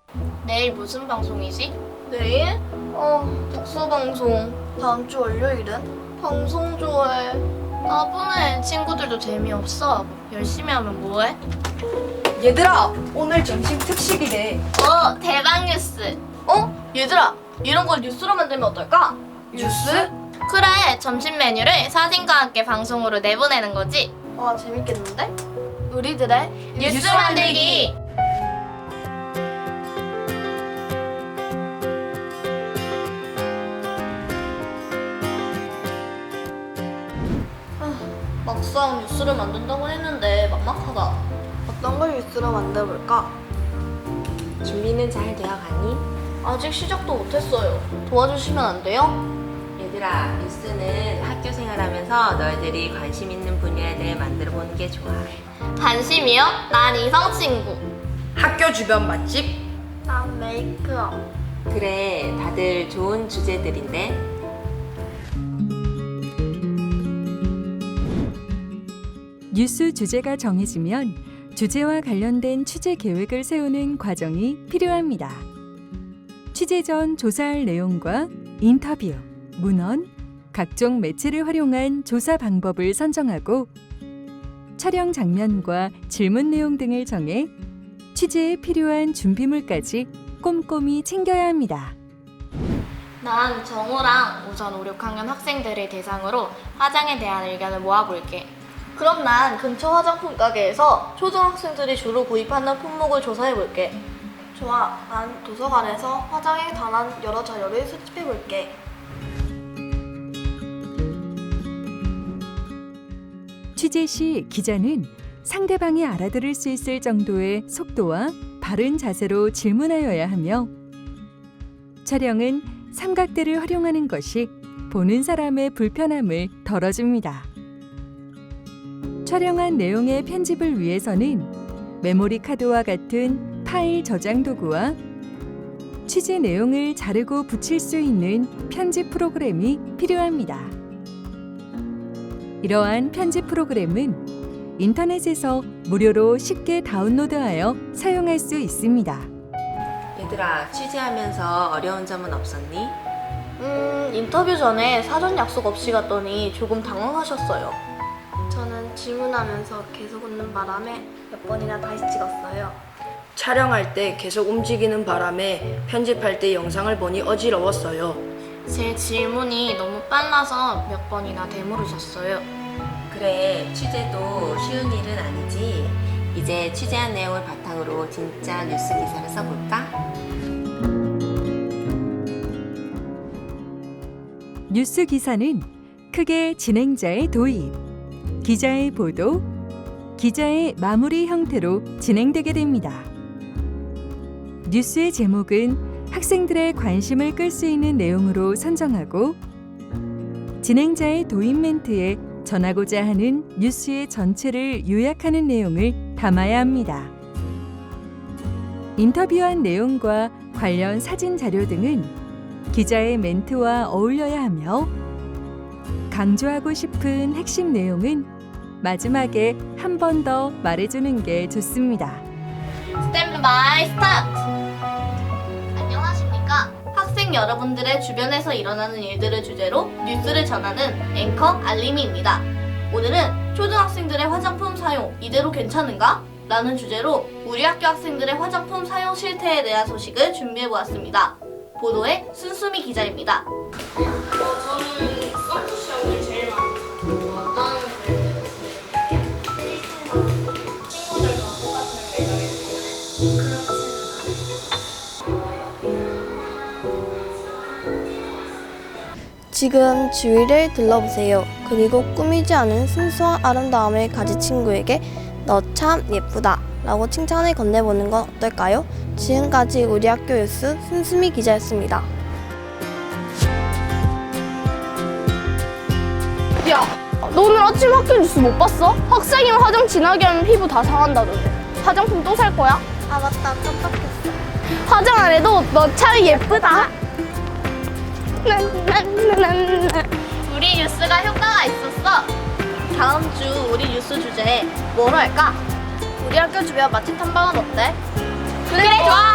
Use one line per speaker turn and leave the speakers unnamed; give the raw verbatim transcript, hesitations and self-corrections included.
내일 무슨 방송이지?
내일? 어, 독서 방송. 다음 주 월요일은? 방송 좋아해.
나쁘네. 친구들도 재미없어. 열심히 하면 뭐해?
얘들아, 오늘 점심 특식이래.
어, 대박 뉴스.
어? 얘들아, 이런 걸 뉴스로 만들면 어떨까? 뉴스?
그래, 점심 메뉴를 사진과 함께 방송으로 내보내는 거지.
와, 재밌겠는데? 우리들의
뉴스 만들기.
막상 뉴스를 만든다고 했는데 막막하다. 어떤 걸 뉴스로 만들어볼까?
준비는 잘 되어가니?
아직 시작도 못했어요. 도와주시면 안 돼요?
얘들아, 뉴스는 학교 생활하면서 너희들이 관심 있는 분야를 만들어 보는 게 좋아.
관심이요? 난 이성 친구.
학교 주변 맛집?
난 메이크업.
그래, 다들 좋은 주제들인데.
뉴스 주제가 정해지면 주제와 관련된 취재 계획을 세우는 과정이 필요합니다. 취재 전 조사할 내용과 인터뷰, 문헌, 각종 매체를 활용한 조사 방법을 선정하고 촬영 장면과 질문 내용 등을 정해 취재에 필요한 준비물까지 꼼꼼히 챙겨야 합니다.
난 정우랑 우선 오, 육 학년 학생들을 대상으로 화장에 대한 의견을 모아볼게.
그럼 난 근처 화장품 가게에서 초등학생들이 주로 구입하는 품목을 조사해볼게. 좋아, 난 도서관에서 화장에 관한 여러 자료를 수집해볼게.
취재 시 기자는 상대방이 알아들을 수 있을 정도의 속도와 바른 자세로 질문하여야 하며 촬영은 삼각대를 활용하는 것이 보는 사람의 불편함을 덜어줍니다. 촬영한 내용의 편집을 위해서는 메모리 카드와 같은 파일 저장 도구와 취재 내용을 자르고 붙일 수 있는 편집 프로그램이 필요합니다. 이러한 편집 프로그램은 인터넷에서 무료로 쉽게 다운로드하여 사용할 수 있습니다.
얘들아, 취재하면서 어려운 점은 없었니?
음, 인터뷰 전에 사전 약속 없이 갔더니 조금 당황하셨어요. 저는 질문하면서 계속 웃는 바람에 몇 번이나 다시 찍었어요.
촬영할 때 계속 움직이는 바람에 편집할 때 영상을 보니 어지러웠어요.
제 질문이 너무 빨라서 몇 번이나 되물으셨어요.
그래, 취재도 쉬운 일은 아니지. 이제 취재한 내용을 바탕으로 진짜 뉴스 기사를 써볼까?
뉴스 기사는 크게 진행자의 도입, 기자의 보도, 기자의 마무리 형태로 진행되게 됩니다. 뉴스의 제목은 학생들의 관심을 끌 수 있는 내용으로 선정하고 진행자의 도입 멘트에 전하고자 하는 뉴스의 전체를 요약하는 내용을 담아야 합니다. 인터뷰한 내용과 관련 사진 자료 등은 기자의 멘트와 어울려야 하며 강조하고 싶은 핵심 내용은 마지막에 한 번 더 말해주는 게 좋습니다.
스탠드 바이 스타트! 안녕하십니까? 학생 여러분들의 주변에서 일어나는 일들을 주제로 뉴스를 전하는 앵커 알림이입니다. 오늘은 초등학생들의 화장품 사용 이대로 괜찮은가? 라는 주제로 우리 학교 학생들의 화장품 사용 실태에 대한 소식을 준비해보았습니다. 보도의 순수미 기자입니다. 저는 썬투 시험을 제일 많이 어떤 친구들과 똑같은 매력이
지금 주위를 둘러보세요. 그리고 꾸미지 않은 순수한 아름다움을 가진 친구에게 너 참 예쁘다 라고 칭찬을 건네보는 건 어떨까요? 지금까지 우리 학교 뉴스 순수미 기자였습니다.
야, 너 오늘 아침 학교 뉴스 못 봤어? 학생이면 화장 진하게 하면 피부 다 상한다던데. 화장품 또 살 거야?
아, 맞다. 깜빡했어.
화장 안 해도 너 참 예쁘다.
우리 뉴스가 효과가 있었어.
다음 주 우리 뉴스 주제 뭐로 할까? 우리 학교 주변 맛집 탐방은 어때?
그래, 좋아!